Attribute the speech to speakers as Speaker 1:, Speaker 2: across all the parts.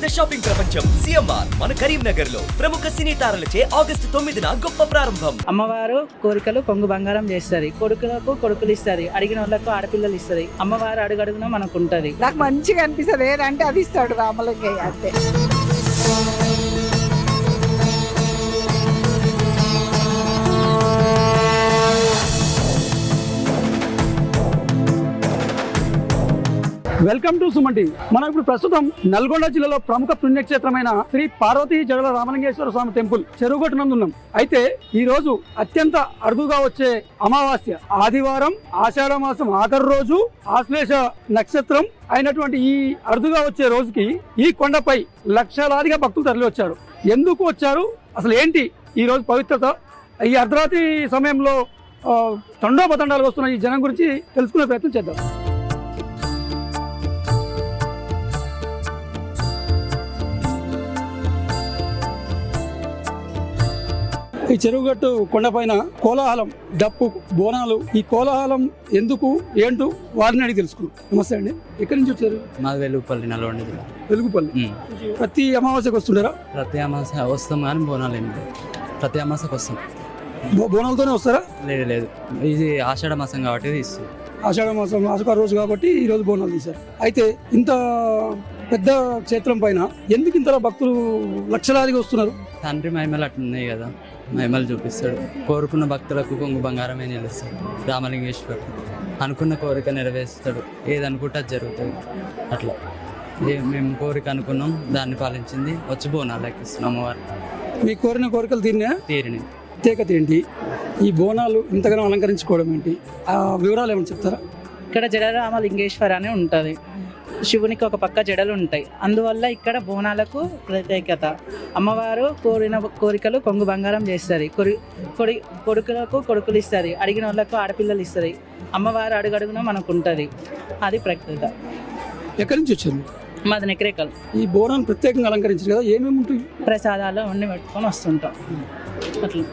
Speaker 1: పెద్ద షాపింగ్ ప్రపంచం సిఎంఆర్ మన కరీంనగర్ లో ప్రముఖ సినీ తారలచే ఆగస్టు 9న గొప్ప ప్రారంభం.
Speaker 2: అమ్మవారు కోరికలు కొంగు బంగారం చేస్తుంది, కొడుకులకు కొడుకులు ఇస్తుంది, అడిగిన వాళ్ళకు ఆడపిల్లలు ఇస్తుంది. అమ్మవారు అడుగడుగున మనకు ఉంటది.
Speaker 3: నాకు మంచిగా అనిపిస్తుంది, ఏదంటే అది ఇస్తాడు రామలింగయ్య అంతే.
Speaker 4: Welcome to Suman TV. మనం ఇప్పుడు ప్రస్తుతం నల్గొండ జిల్లాలో ప్రముఖ పుణ్యక్షేత్రమైన శ్రీ పార్వతీ జగల రామలింగేశ్వర స్వామి టెంపుల్ చెరువుగట్టు నందు ఉన్నాం. అయితే ఈ రోజు అత్యంత అరుదుగా వచ్చే అమావాస్య ఆదివారం, ఆషాఢ మాసం ఆఖరి రోజు, ఆశ్లేష నక్షత్రం అయినటువంటి ఈ అరుదుగా వచ్చే రోజుకి ఈ కొండపై లక్షలాదిగా భక్తులు తరలి వచ్చారు. ఎందుకు వచ్చారు, అసలు ఏంటి ఈ రోజు పవిత్రత, ఈ అర్ధరాత్రి సమయంలో తండోపతండాలు వస్తున్న ఈ జనం గురించి తెలుసుకునే ప్రయత్నం చేద్దాం. ఈ చెరువుగట్టు కొండపైన కోలాహలం, డప్పు, బోనాలు. ఈ కోలాహలం ఎందుకు ఏంటో వారిని అడిగి తెలుసుకున్నాం. నమస్తే అండి, ఎక్కడి నుంచి వచ్చారు?
Speaker 5: మాది వెలుగుపల్లి, నల్గొండ జిల్లా.
Speaker 4: వెలుగుపల్లి. ప్రతి అమావాస్యకు వస్తుంటారా?
Speaker 5: ప్రతి అమావాస్య వస్తాం కానీ బోనాలు ఏమి లేవు. ప్రతి అమావాస్యకు వస్తాం.
Speaker 4: బోనాలతోనే వస్తారా?
Speaker 5: లేదు లేదు, ఇది ఆషాఢ మాసం కాబట్టి తీస్తుంది.
Speaker 4: ఆషాఢ మాసం ఆషాఢ రోజు కాబట్టి ఈ రోజు బోనాలు తీశారు. అయితే ఇంత పెద్ద క్షేత్రం పైన ఎందుకు ఇంతలా భక్తులు లక్షలాదిగా వస్తున్నారు?
Speaker 5: తండ్రి మహిమలు అట్లున్నాయి కదా, మహిమలు చూపిస్తాడు. కోరుకున్న భక్తులకు కొంగు బంగారమే నిలుస్తాడు రామలింగేశ్వరుడు. అనుకున్న కోరిక నెరవేరుస్తాడు, ఏది అనుకుంటే అది జరుగుతుంది. అట్లా మేము కోరిక అనుకున్నాం, దాన్ని పాలించింది, వచ్చి బోనాలు ఎక్కిస్తున్నాం అమ్మవారు.
Speaker 4: మీ కోరిన కోరికలు
Speaker 5: తీరిని.
Speaker 4: ప్రత్యేకత ఏంటి? ఈ బోనాలు ఇంతగానో అలంకరించుకోవడం ఏంటి? ఆ వివరాలు ఏమైనా చెప్తారా?
Speaker 2: ఇక్కడ జడరామలింగేశ్వర అని ఉంటుంది. శివునికి ఒక పక్క జడలు ఉంటాయి, అందువల్ల ఇక్కడ బోనాలకు ప్రత్యేకత. అమ్మవారు కోరిన కోరికలు కొంగు బంగారం చేస్తుంది, కొడుకులకు కొడుకులు ఇస్తుంది, అడిగిన వాళ్ళకు ఆడపిల్లలు ఇస్తుంది. అమ్మవారు అడుగడుగున మనకు ఉంటుంది, అది ప్రత్యేకత.
Speaker 4: ఎక్కడి నుంచి వచ్చారు?
Speaker 2: మాది నెక్రేకల్.
Speaker 4: ఈ బోనాలు ప్రత్యేకంగా అలంకరించారు కదా, ఏమేమి ఉంటాయి?
Speaker 2: ప్రసాదాలు అన్నీ పెట్టుకొని వస్తుంటాం అట్లా.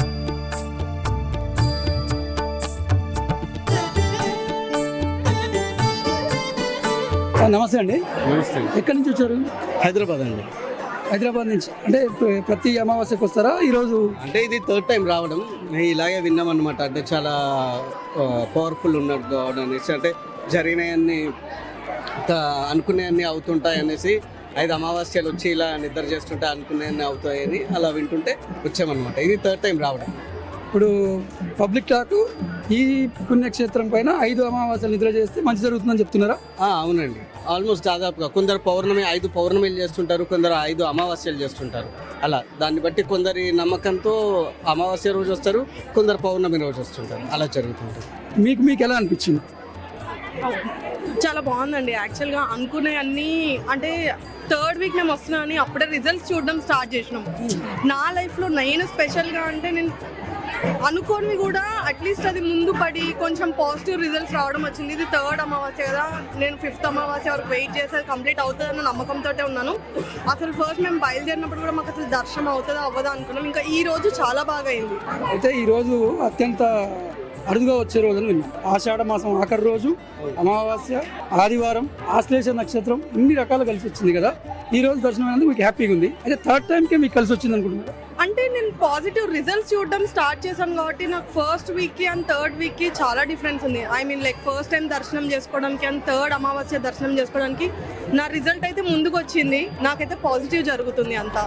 Speaker 4: నమస్తే అండి.
Speaker 6: నమస్తే.
Speaker 4: ఎక్కడి నుంచి వచ్చారు?
Speaker 6: హైదరాబాద్ అండి.
Speaker 4: హైదరాబాద్ నుంచి. అంటే ప్రతి అమావాస్యకు వస్తారా? ఈరోజు
Speaker 6: అంటే ఇది థర్డ్ టైం రావడం. ఇలాగే విన్నాం అనమాట. అంటే చాలా పవర్ఫుల్ ఉన్నట్టు కావడం అనేసి, అంటే జరిగినవన్నీ అనుకునేవన్నీ అవుతుంటాయి అనేసి, 5 అమావాస్యలు వచ్చి ఇలా నిద్ర చేస్తుంటే అనుకునేవన్నీ అవుతాయని అలా వింటుంటే వచ్చామన్నమాట. ఇది థర్డ్ టైం రావడం.
Speaker 4: ఇప్పుడు పబ్లిక్ టాక్ ఈ పుణ్యక్షేత్రం పైన 5 అమావాస్యలు నిద్ర చేస్తే మంచి జరుగుతుందని చెప్తున్నారా?
Speaker 6: అవునండి, ఆల్మోస్ట్ దాదాపుగా. కొందరు 5 పౌర్ణమిలు చేస్తుంటారు, కొందరు 5 అమావాస్యలు చేస్తుంటారు. అలా దాన్ని బట్టి కొందరి నమ్మకంతో అమావాస్య రోజు వస్తారు, కొందరు పౌర్ణమి రోజు వస్తుంటారు. అలా జరుగుతుంటుంది.
Speaker 4: మీకు ఎలా అనిపించింది?
Speaker 7: చాలా బాగుందండి. యాక్చువల్గా అనుకునే అన్నీ, అంటే థర్డ్ వీక్ మేము వస్తున్నామని అప్పుడే రిజల్ట్స్ చూడడం స్టార్ట్ చేసినాం. నా లైఫ్లో నేను స్పెషల్గా అంటే నేను అనుకోని కూడా అట్లీస్ట్ అది ముందు పడి కొంచెం పాజిటివ్ రిజల్ట్స్ రావడం వచ్చింది. ఇది థర్డ్ అమావాస్య కదా, నేను 5th అమావాస్య వరకు వెయిట్ చేసి అది కంప్లీట్ అవుతుందన్న నమ్మకంతో ఉన్నాను. అసలు ఫస్ట్ మేము బయలుదేరినప్పుడు కూడా మాకు అసలు దర్శనం అవుతుందా అవ్వదా అనుకున్నాం. ఇంకా ఈ రోజు చాలా బాగా అయింది.
Speaker 4: అయితే ఈ రోజు అత్యంత అరుదుగా వచ్చే రోజు అని విన్నాం. ఆషాఢ మాసం ఆఖరి రోజు, అమావాస్య, ఆదివారం, ఆశ్లేష నక్షత్రం, ఇన్ని రకాలు కలిసి వచ్చింది కదా. ఈ రోజు దర్శనం అనేది మీకు హ్యాపీగా ఉంది. అయితే థర్డ్ టైంకే మీకు కలిసి వచ్చింది అనుకుంటున్నారా?
Speaker 7: అంటే నేను పాజిటివ్ రిజల్ట్స్ చూడడం స్టార్ట్ చేశాను కాబట్టి నాకు ఫస్ట్ వీక్కి అండ్ థర్డ్ వీక్కి చాలా డిఫరెన్స్ ఉంది. I mean like first time దర్శనం చేసుకోవడానికి అండ్ థర్డ్ అమావాస్య దర్శనం చేసుకోవడానికి నా రిజల్ట్ అయితే ముందుకు వచ్చింది. నాకైతే పాజిటివ్ జరుగుతుంది అంతా.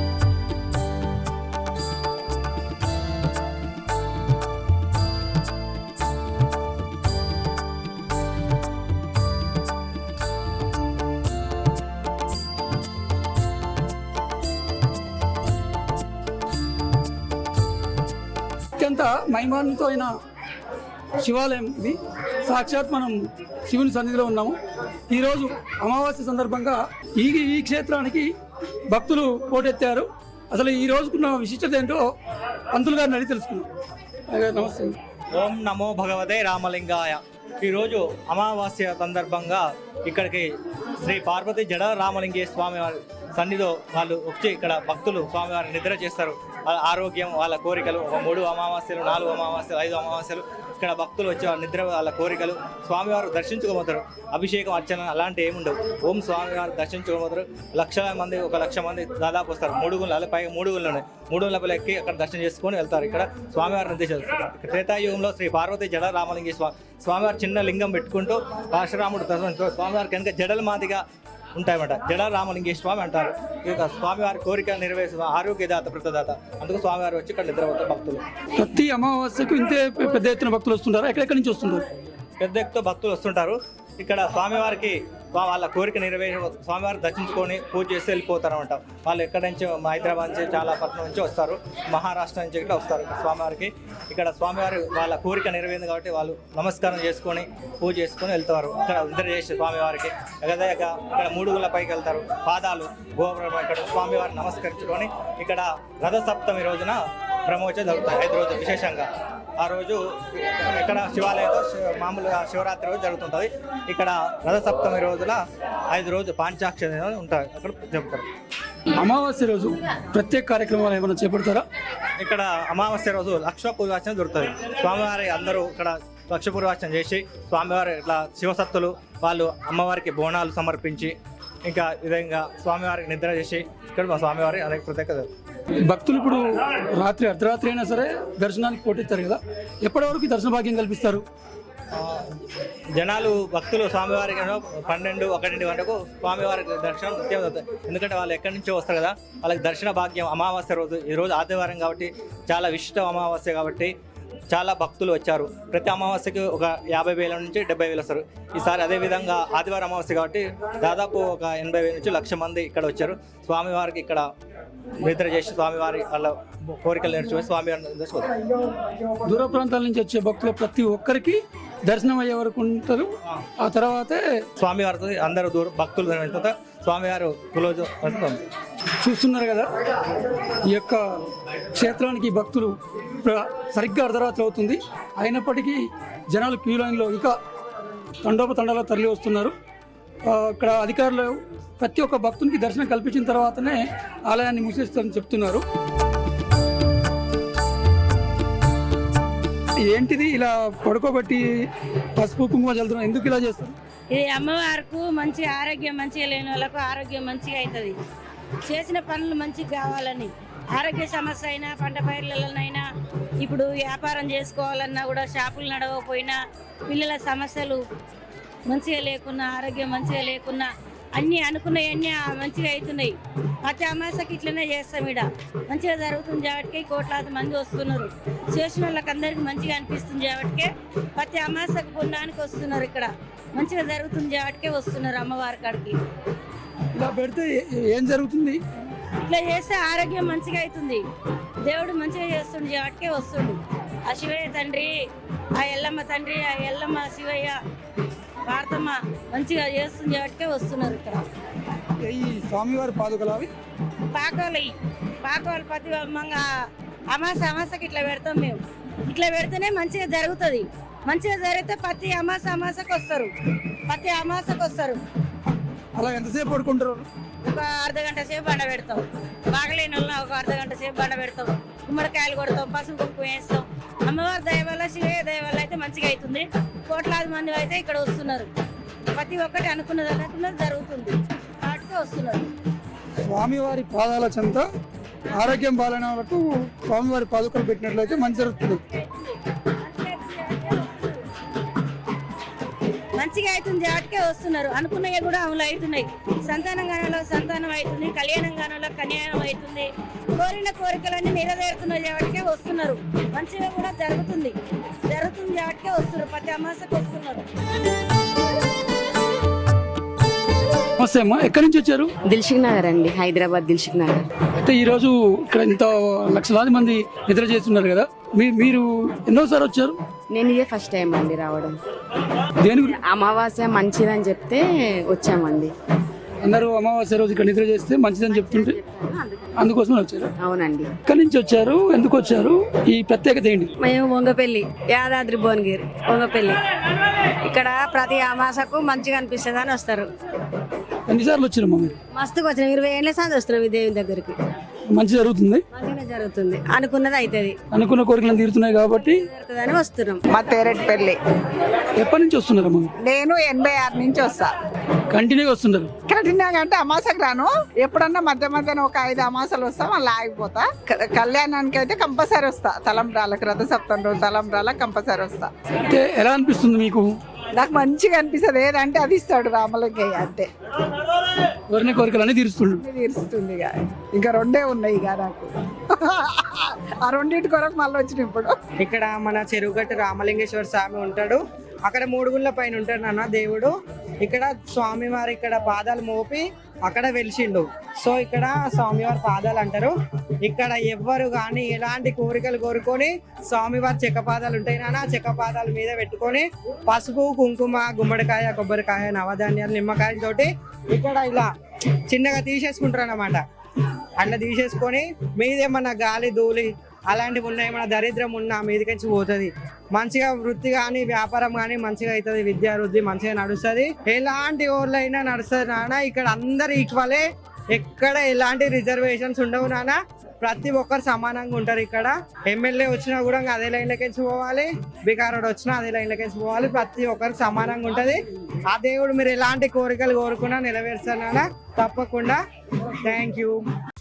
Speaker 4: అత్యంత మహిమాన్వితో అయిన శివాలయం ఇది. సాక్షాత్ మనం శివుని సన్నిధిలో ఉన్నాము. ఈరోజు అమావాస్య సందర్భంగా ఈ క్షేత్రానికి భక్తులు పోటెత్తారు. అసలు ఈ రోజుకున్న విశిష్టత ఏంటో పంతులు గారిని అడిగి తెలుసుకున్నాం. నమస్తే.
Speaker 8: ఓం నమో భగవతే రామలింగాయ. ఈరోజు అమావాస్య సందర్భంగా ఇక్కడికి శ్రీ పార్వతీ జడ రామలింగేశ్వర స్వామి వారి సన్నిధిలో వాళ్ళు వచ్చి ఇక్కడ భక్తులు స్వామివారిని నిద్ర చేస్తారు. వాళ్ళ ఆరోగ్యం, వాళ్ళ కోరికలు, 3 అమావాస్యలు, 4 అమావాస్యలు, 5 అమావాస్యలు ఇక్కడ భక్తులు వచ్చి వాళ్ళ నిద్ర వాళ్ళ కోరికలు స్వామివారు దర్శించుకోబోతారు. అభిషేకం అర్చన అలాంటి ఏముండవు. ఓం స్వామివారు దర్శించుకోబోతారు. లక్షల మంది 1 లక్ష మంది దాదాపు వస్తారు. 3 గుళ్ళు పైగా 3 గుళ్ళు ఉన్నాయి. 3 గుళ్ళపై ఎక్కి అక్కడ దర్శనం చేసుకొని వెళ్తారు. ఇక్కడ స్వామివారి నిర్దేశాలు త్రేతాయుగంలో శ్రీ పార్వతీ జడ రామలింగేశ్వర స్వామివారు చిన్న లింగం పెట్టుకుంటూ పరశురాముడు దర్శనం స్వామివారికి కనుక జడల మాదిగా ఉంటాయన్నమాట. జడ రామలింగేశ్వర స్వామి అంటారు. ఇక స్వామివారి కోరిక నెరవేర్చే ఆరోగ్యదాత ప్రతదాత. అందుకు స్వామివారు వచ్చి ఇక్కడ నిద్రపోతారు భక్తులు.
Speaker 4: ప్రతి అమావాస్యకు ఇంతే పెద్ద ఎత్తున భక్తులు వస్తుంటారు. ఎక్కడెక్కడి నుంచి వస్తుంటారు?
Speaker 8: పెద్ద ఎత్తుతో భక్తులు వస్తుంటారు. ఇక్కడ స్వామివారికి వాళ్ళ కోరిక నెరవేరి స్వామివారిని దర్శించుకొని పూజ చేసి వెళ్ళిపోతారు అనమాట. వాళ్ళు ఎక్కడి నుంచి హైదరాబాద్ నుంచి చాలా పట్టణం నుంచి వస్తారు. మహారాష్ట్ర నుంచి ఇక్కడ వస్తారు స్వామివారికి. ఇక్కడ స్వామివారి వాళ్ళ కోరిక నెరవేరింది కాబట్టి వాళ్ళు నమస్కారం చేసుకొని పూజ చేసుకొని వెళ్తారు. ఇక్కడ నిద్ర చేసి స్వామివారికి అదే ఇక్కడ 3 గుళ్ళ పైకి వెళ్తారు. పాదాలు గోపురం ఇక్కడ స్వామివారిని నమస్కరించుకొని ఇక్కడ రథసప్తమి రోజున బ్రహ్మోత్సవం జరుగుతాయి. 5 రోజులు విశేషంగా. ఆ రోజు ఇక్కడ శివాలయంలో మామూలుగా శివరాత్రి రోజు జరుగుతుంటుంది. ఇక్కడ రథసప్తమి రోజుల 5 రోజులు పాంచాక్షరి ఉంటాయి. అక్కడ చెబుతారు.
Speaker 4: అమావాస్య రోజు ప్రత్యేక కార్యక్రమాలు ఏమైనా చేపడతారా?
Speaker 8: ఇక్కడ అమావాస్య రోజు లక్ష పూర్వార్చన దొరుకుతుంది. స్వామివారి అందరూ ఇక్కడ లక్ష పూర్వార్చన చేసి స్వామివారి ఇట్లా శివసత్తులు వాళ్ళు అమ్మవారికి బోనాలు సమర్పించి ఇంకా విధంగా స్వామివారికి నిద్ర చేసి ఇక్కడ మా స్వామివారి అనేక ప్రత్యేకత.
Speaker 4: భక్తులు ఇప్పుడు రాత్రి అర్ధరాత్రి అయినా సరే దర్శనానికి పోటెత్తారు కదా, ఎప్పటి వరకు దర్శన భాగ్యం కల్పిస్తారు?
Speaker 8: జనాలు భక్తులు స్వామివారికి 12-1 వరకు స్వామివారికి దర్శనం నిత్యం అవుతుంది. ఎందుకంటే వాళ్ళు ఎక్కడి నుంచో వస్తారు కదా, వాళ్ళకి దర్శన భాగ్యం. అమావాస్య రోజు ఈరోజు ఆదివారం కాబట్టి చాలా విశిష్ట అమావాస్య కాబట్టి చాలా భక్తులు వచ్చారు. ప్రతి అమావాస్యకి ఒక 50,000 నుంచి 70,000 వస్తారు. ఈసారి అదేవిధంగా ఆదివారం అమావాస్య కాబట్టి దాదాపు ఒక 80,000 నుంచి 1,00,000 మంది ఇక్కడ వచ్చారు. స్వామివారికి ఇక్కడ నిద్ర చేసి స్వామివారి వాళ్ళ కోరికలు నేర్చుకొని స్వామివారిని దర్శిస్తారు.
Speaker 4: దూర ప్రాంతాల నుంచి వచ్చే భక్తులు ప్రతి ఒక్కరికి దర్శనం అయ్యే వరకు ఉంటారు. ఆ తర్వాతే
Speaker 8: స్వామివారితో అందరూ భక్తులు వెళ్తారు. స్వామివారు క్లోజ్
Speaker 4: చూస్తున్నారు కదా, ఈ యొక్క క్షేత్రానికి భక్తులు సరిగ్గా అర్ధరాత్రి అవుతుంది. అయినప్పటికీ జనాలు క్యూ లైన్లో ఇంకా తండోపతండాలో తరలి వస్తున్నారు. ఇక్కడ అధికారులు ప్రతి ఒక్క భక్తునికి దర్శనం కల్పించిన తర్వాతనే ఆలయాన్ని మూసేస్తారని చెప్తున్నారు. ఏంటిది ఇలా పడుకోబెట్టి పసుపు కుంకుమ చల్లుతున్నారు, ఎందుకు ఇలా చేస్తారు?
Speaker 9: ఇది అమ్మవారికి మంచి ఆరోగ్యం మంచిగా లేని వాళ్ళకు ఆరోగ్యం మంచిగా అవుతుంది. చేసిన పనులు మంచిగా కావాలని, ఆరోగ్య సమస్య అయినా పంట పైర్లలోనైనా ఇప్పుడు వ్యాపారం చేసుకోవాలన్నా కూడా షాపులు నడవకపోయినా పిల్లల సమస్యలు మంచిగా లేకున్నా ఆరోగ్యం మంచిగా లేకున్నా అన్నీ అనుకున్నవన్నీ మంచిగా అవుతున్నాయి. ప్రతి అమాసకి ఇట్లనే చేస్తాం. ఇక్కడ మంచిగా జరుగుతుంది కాబట్టి కోట్లాది మంది వస్తున్నారు. చేసిన వాళ్ళకి అందరికీ మంచిగా అనిపిస్తుంది కాబట్టి ప్రతి అమాసకు పుణ్యానికి వస్తున్నారు. ఇక్కడ మంచిగా జరుగుతుంది కాబట్టి వస్తున్నారు అమ్మవారి కాడికి.
Speaker 4: ఇలా పెడితే ఏం జరుగుతుంది?
Speaker 9: ఇట్లా చేస్తే ఆరోగ్యం మంచిగా అవుతుంది. దేవుడు మంచిగా చేస్తుండే కాబట్టి వస్తుండు. ఆ శివయ్య తండ్రి, ఆ ఎల్లమ్మ తండ్రి, ఆ ఎల్లమ్మ శివయ్య భారతమ్మ మంచిగా చేస్తుంది కాబట్టి వస్తున్నారు. ఇక్కడ
Speaker 4: ఈ స్వామివారి పాదుకలు అవి
Speaker 9: పాకాలు ప్రతి అమాసకి ఇట్లా పెడతాం మేము. ఇట్లా పెడితేనే మంచిగా జరుగుతుంది. మంచిగా జరిగితే ప్రతి అమాసకు వస్తారు. ప్రతి అమాసకు వస్తారు.
Speaker 4: అలా ఎంతసేపు పడుకుంటారు?
Speaker 9: ఒక అర్ధగంట సేపు బండ పెడతాం. బాగలేని వాళ్ళని ఒక అర్ధగంట సేపు బండ పెడతాం. గుమ్మడికాయలు కొడతాం, పసుపు కుంకుమ వేస్తాం. అమ్మవారి దయ వల్ల శివయ్య దయ వల్ల అయితే మంచిగా అవుతుంది. కోట్లాది మంది అయితే ఇక్కడ వస్తున్నారు. ప్రతి ఒక్కటి అనుకున్నది జరుగుతుంది వాటికి వస్తున్నారు.
Speaker 4: స్వామివారి పాదాల చెంత ఆరోగ్యం బాగాలేని వాళ్ళకు స్వామివారి పాదుకలు పెట్టినట్లయితే మంచి జరుగుతుంది.
Speaker 9: మంచిగా అవుతుంది వాటికే వస్తున్నారు. అనుకున్నవి కూడా అమలు అవుతున్నాయి. సంతానం గానంలో సంతానం అవుతుంది, కళ్యాణం గానంలో కళ్యాణం అవుతుంది. కోరిన కోరికలన్నీ నెరవేరుతున్నాయి వాటికే వస్తున్నారు. మంచిగా కూడా జరుగుతుంది వాటికే వస్తున్నారు. ప్రతి అమాసకు వస్తున్నారు.
Speaker 4: నమస్తే అమ్మా, ఎక్కడి నుంచి వచ్చారు?
Speaker 10: దిల్సుఖ్ నగర్ అండి, హైదరాబాద్ దిల్సుఖ్ నగర్.
Speaker 4: అయితే ఈరోజు ఇక్కడ ఇంత లక్షలాది మంది నిద్ర చేస్తున్నారు కదా, మీరు ఎన్నోసారి వచ్చారు?
Speaker 10: నేను ఇదే ఫస్ట్ టైం అండి రావడం.
Speaker 4: దేని గురించి?
Speaker 10: అమావాస్య మంచిదని చెప్తే వచ్చామండి.
Speaker 4: అందరూ అమావాస్య రోజు ఇక్కడ నిద్ర చేస్తే మంచిదని చెప్తుంటే అందుకోసం వచ్చారు.
Speaker 10: అవునండి.
Speaker 4: ఎక్కడి నుంచి వచ్చారు, ఎందుకు వచ్చారు, ఈ ప్రత్యేకత ఏంటి?
Speaker 11: మేము వంగపల్లి, యాదాద్రి భువనగిరి వంగపల్లి. ఇక్కడ ప్రతి అమాసకు మంచిగా అనిపిస్తుంది అని వస్తారు.
Speaker 4: ఎన్నిసార్లు వచ్చిరమ్మా మీరు?
Speaker 11: మస్తుగా వచ్చినాం 20 ఏళ్ళ సార్లు వస్తున్నాం ఈ దేవుని దగ్గరికి.
Speaker 4: మంచి జరుగుతుంది,
Speaker 11: మంచిగా జరుగుతుంది, అనుకున్నది అవుతుంది,
Speaker 4: అనుకున్న కోరికలను తీరుతున్నాయి కాబట్టి
Speaker 11: జరుగుతుందని వస్తున్నాం.
Speaker 3: మా తేరెడ్డిపల్లి.
Speaker 4: ఎప్పటి నుంచి వస్తున్నారమ్మా?
Speaker 3: నేను 86 నుంచి వస్తా.
Speaker 4: కంటిన్యూగా వస్తున్నారు?
Speaker 3: కఠినంగా అంటే అమాసకు రాను, ఎప్పుడన్నా మధ్య మధ్యన ఒక 5 అమాసాలు వస్తా, మళ్ళీ ఆగిపోతా. కళ్యాణానికి అయితే కంపల్సరీ వస్తా, తలంబ్రాలకు రథసప్తమి రోజు తలంబ్రాలకు కంపల్సరీ వస్తా.
Speaker 4: అంటే ఎలా అనిపిస్తుంది మీకు?
Speaker 3: నాకు మంచిగా అనిపిస్తుంది, ఏదంటే అది ఇస్తాడు రామలింగయ్య అంతే.
Speaker 4: కోరిన కోరికలన్నీ తీరుస్తుండు.
Speaker 3: అన్ని తీరుస్తుంది ఇక, ఇంకా 2 ఉన్నాయి ఇక నాకు. ఆ 2 కొరకు మళ్ళీ వచ్చిన ఇప్పుడు.
Speaker 2: ఇక్కడ మన చెరువుగట్టు రామలింగేశ్వర స్వామి ఉంటాడు, అక్కడ 3 గుళ్ళ పైన ఉంటాడు నాన్న దేవుడు. ఇక్కడ స్వామివారు ఇక్కడ పాదాలు మోపి అక్కడ వెలిసిండు. సో ఇక్కడ స్వామివారి పాదాలు అంటారు. ఇక్కడ ఎవ్వరు కానీ ఎలాంటి కోరికలు కోరుకొని స్వామివారి చెక్క పాదాలు ఉంటాయి నాన్న, ఆ చెక్క పాదాల మీద పెట్టుకొని పసుపు కుంకుమ గుమ్మడికాయ కొబ్బరికాయ నవధాన్యాలు నిమ్మకాయలతోటి ఇక్కడ ఇలా చిన్నగా తీసేసుకుంటారు అన్నమాట. అట్లా తీసేసుకొని మీదేమన్నా గాలి ధూళి అలాంటివి ఉన్నాయి, మన దరిద్రం ఉన్నా మీదకించి పోతుంది. మంచిగా వృత్తి కానీ వ్యాపారం కానీ మంచిగా అవుతుంది, విద్యా వృద్ధి మంచిగా నడుస్తుంది, ఎలాంటి ఊర్లైనా నడుస్తుంది నాన్న. ఇక్కడ అందరు ఈక్వలే, ఎక్కడ ఎలాంటి రిజర్వేషన్స్ ఉండవు నాన్న. ప్రతి ఒక్కరు సమానంగా ఉంటారు. ఇక్కడ ఎమ్మెల్యే వచ్చినా కూడా అదే లైన్లోకి పోవాలి, బికారోడు వచ్చినా అదే లైన్లోకి పోవాలి, ప్రతి ఒక్కరికి సమానంగా ఉంటుంది. ఆ దేవుడు మీరు ఎలాంటి కోరికలు కోరుకున్నా నెరవేరుస్తానా తప్పకుండా. Thank you.